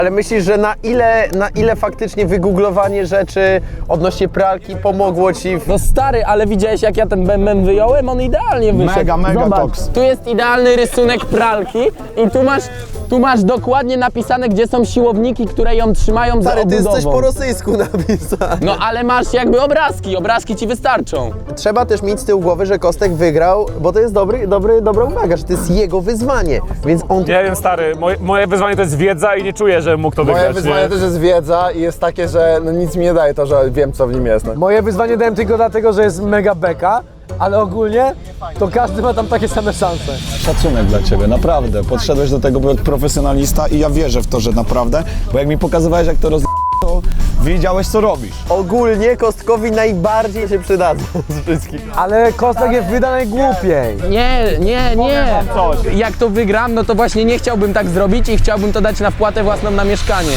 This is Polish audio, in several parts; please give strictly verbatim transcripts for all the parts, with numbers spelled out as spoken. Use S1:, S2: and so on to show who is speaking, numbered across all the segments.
S1: Ale myślisz, że na ile, na ile faktycznie wygooglowanie rzeczy odnośnie pralki pomogło ci w...
S2: No stary, ale widziałeś jak ja ten mem wyjąłem? On idealnie wyszedł.
S3: Mega, mega
S2: Zobacz,
S3: toks.
S2: tu jest idealny rysunek pralki i tu masz, tu masz dokładnie napisane, gdzie są siłowniki, które ją trzymają za
S1: Stary, ty
S2: obudową.
S1: jesteś po rosyjsku napisany.
S2: No ale masz jakby obrazki, obrazki ci wystarczą.
S1: Trzeba też mieć z tyłu głowy, że Kostek wygrał, bo to jest dobry, dobry, dobra uwaga, że to jest jego wyzwanie, więc on...
S4: Nie wiem, stary, moje, moje wyzwanie to jest wiedza i nie czuję, że mógł to
S3: Moje
S4: wygrać.
S3: wyzwanie
S4: nie?
S3: też jest wiedza i jest takie, że no nic mi nie daje to, że wiem co w nim jest. No.
S5: Moje wyzwanie dałem tylko dlatego, że jest mega beka, ale ogólnie to każdy ma tam takie same szanse.
S6: Szacunek dla ciebie, naprawdę. Podszedłeś do tego jak profesjonalista i ja wierzę w to, że naprawdę, bo jak mi pokazywałeś jak to roz... to wiedziałeś co robisz.
S1: Ogólnie Kostkowi najbardziej się przydadzą z wszystkich.
S5: Ale Kostek je wyda najgłupiej.
S2: Nie, nie, nie. Jak to wygram, no to właśnie nie chciałbym tak zrobić i chciałbym to dać na wpłatę własną na mieszkanie.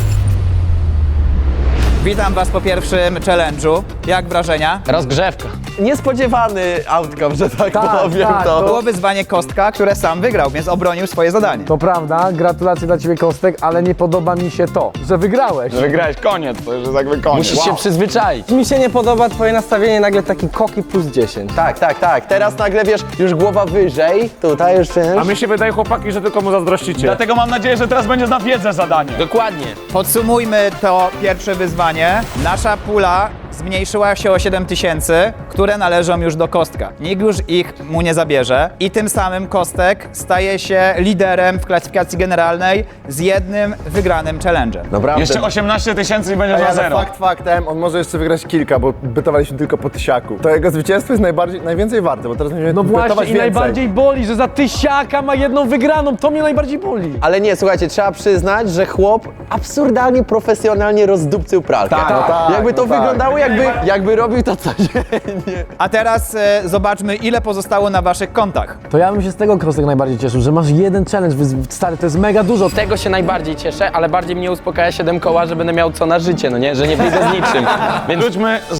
S7: Witam was po pierwszym challenge'u. Jak wrażenia?
S2: Rozgrzewka.
S1: Niespodziewany outcome, że tak,
S5: Tak,
S1: powiem
S5: tak,
S1: to.
S7: Było wyzwanie Kostka, które sam wygrał, więc obronił swoje zadanie.
S5: To prawda, gratulacje dla ciebie Kostek, ale nie podoba mi się to, że wygrałeś.
S6: Wygrałeś, koniec, to już jest jakby koniec.
S2: Musisz się przyzwyczaić.
S8: Mi się nie podoba twoje nastawienie, nagle taki koki plus dziesięć.
S1: Tak, tak, tak. Teraz nagle wiesz, już głowa wyżej, tutaj już wiesz.
S4: A mi się wydaje, chłopaki, że tylko mu zazdrościcie.
S6: Dlatego mam nadzieję, że teraz będzie na wiedzę zadanie.
S2: Dokładnie.
S7: Podsumujmy to pierwsze wyzwanie. Nasza pula zmniejszyła się o siedem tysięcy, które należą już do Kostka. Nikt już ich mu nie zabierze i tym samym Kostek staje się liderem w klasyfikacji generalnej z jednym wygranym challenge'em.
S1: Naprawdę.
S6: Jeszcze osiemnaście tysięcy i będziesz
S3: Ej,
S6: na
S3: ale
S6: zero.
S3: fakt faktem, on może jeszcze wygrać kilka, bo bytowaliśmy tylko po tysiaku. To jego zwycięstwo jest najbardziej, najwięcej warte, bo teraz będziemy
S5: No
S3: bytować
S5: właśnie i
S3: więcej.
S5: najbardziej boli, że za tysiaka ma jedną wygraną, to mnie najbardziej boli.
S1: Ale nie, słuchajcie, trzeba przyznać, że chłop absurdalnie, profesjonalnie rozdupcył pralkę.
S3: Tak, no tak,
S1: jakby to
S3: no tak.
S1: wyglądało, jakby, jakby robił to codziennie.
S7: A teraz e, zobaczmy, ile pozostało na waszych kontach.
S5: To ja bym się z tego Kostek najbardziej cieszył, że masz jeden challenge, wy- stary, to jest mega dużo.
S2: Z tego się najbardziej cieszę, ale bardziej mnie uspokaja siedem koła, że będę miał co na życie, no nie? Że nie wyjdę z niczym. Więc
S6: Wróćmy